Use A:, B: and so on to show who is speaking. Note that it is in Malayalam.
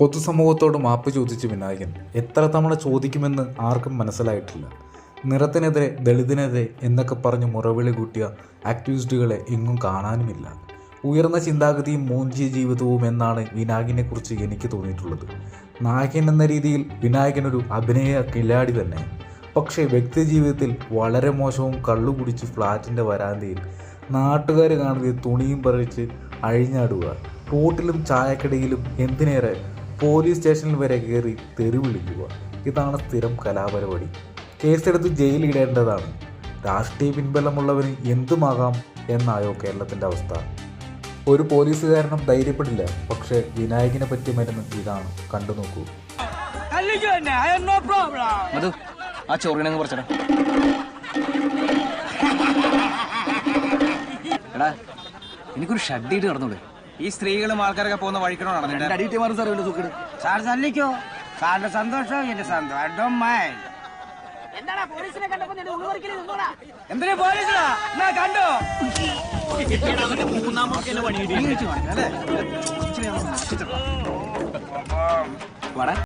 A: പൊതുസമൂഹത്തോട് മാപ്പ് ചോദിച്ച വിനായകൻ എത്ര തവണ ചോദിക്കുമെന്ന് ആർക്കും മനസ്സിലായിട്ടില്ല. നിറത്തിനെതിരെ, ദളിതനെതിരെ എന്നൊക്കെ പറഞ്ഞ് മുറവിളി കൂട്ടിയ ആക്ടിവിസ്റ്റുകളെ എങ്ങും കാണാനുമില്ല. ഉയർന്ന ചിന്താഗതിയും മൂഞ്ചിയ ജീവിതവും എന്നാണ് വിനായകനെക്കുറിച്ച് എനിക്ക് തോന്നിയിട്ടുള്ളത്. നായകൻ എന്ന രീതിയിൽ വിനായകൻ ഒരു അഭിനയ കില്ലാടി തന്നെ. പക്ഷേ വ്യക്തി ജീവിതത്തിൽ വളരെ മോശവും കള്ളു കുടിച്ച് ഫ്ലാറ്റിൻ്റെ വരാന്തയിൽ നാട്ടുകാർ കാണുക തുണിയും പറിച്ച് അഴിഞ്ഞാടുക, റോട്ടിലും ചായക്കടയിലും എന്തിനേറെ പോലീസ് സ്റ്റേഷനിൽ വരെ കയറി തെറി വിളിക്കുക. ഇതാണ് സ്ഥിരം കലാപരിപാടി. കേസെടുത്ത് ജയിലിടേണ്ടതാണ്. രാഷ്ട്രീയ പിൻബലമുള്ളവന് എന്തുമാകാം എന്നായോ കേരളത്തിൻ്റെ അവസ്ഥ. ഒരു പോലീസുകാരനും ധൈര്യപ്പെടില്ല. പക്ഷേ വിനായകനെ പറ്റിയ മരുന്ന് ഇതാണ്, കണ്ടു നോക്കൂ.
B: ആ ചോറിനങ്ങ് കുറച്ചടാ. എടാ, എനിക്കൊരു ഷഡ്ഡിട്ട് നടന്നൂടെ?
C: ഈ സ്ത്രീകളും ആൾക്കാരൊക്കെ പോകുന്ന വഴിക്കണോ നടന്നിട്ട് സാർ തല്ലിക്കോ. സാറിന്റെ സന്തോഷം എന്റെ സന്തോഷം. എന്തിനാ പോലീസിലാ കണ്ടോ?
B: വാടാ.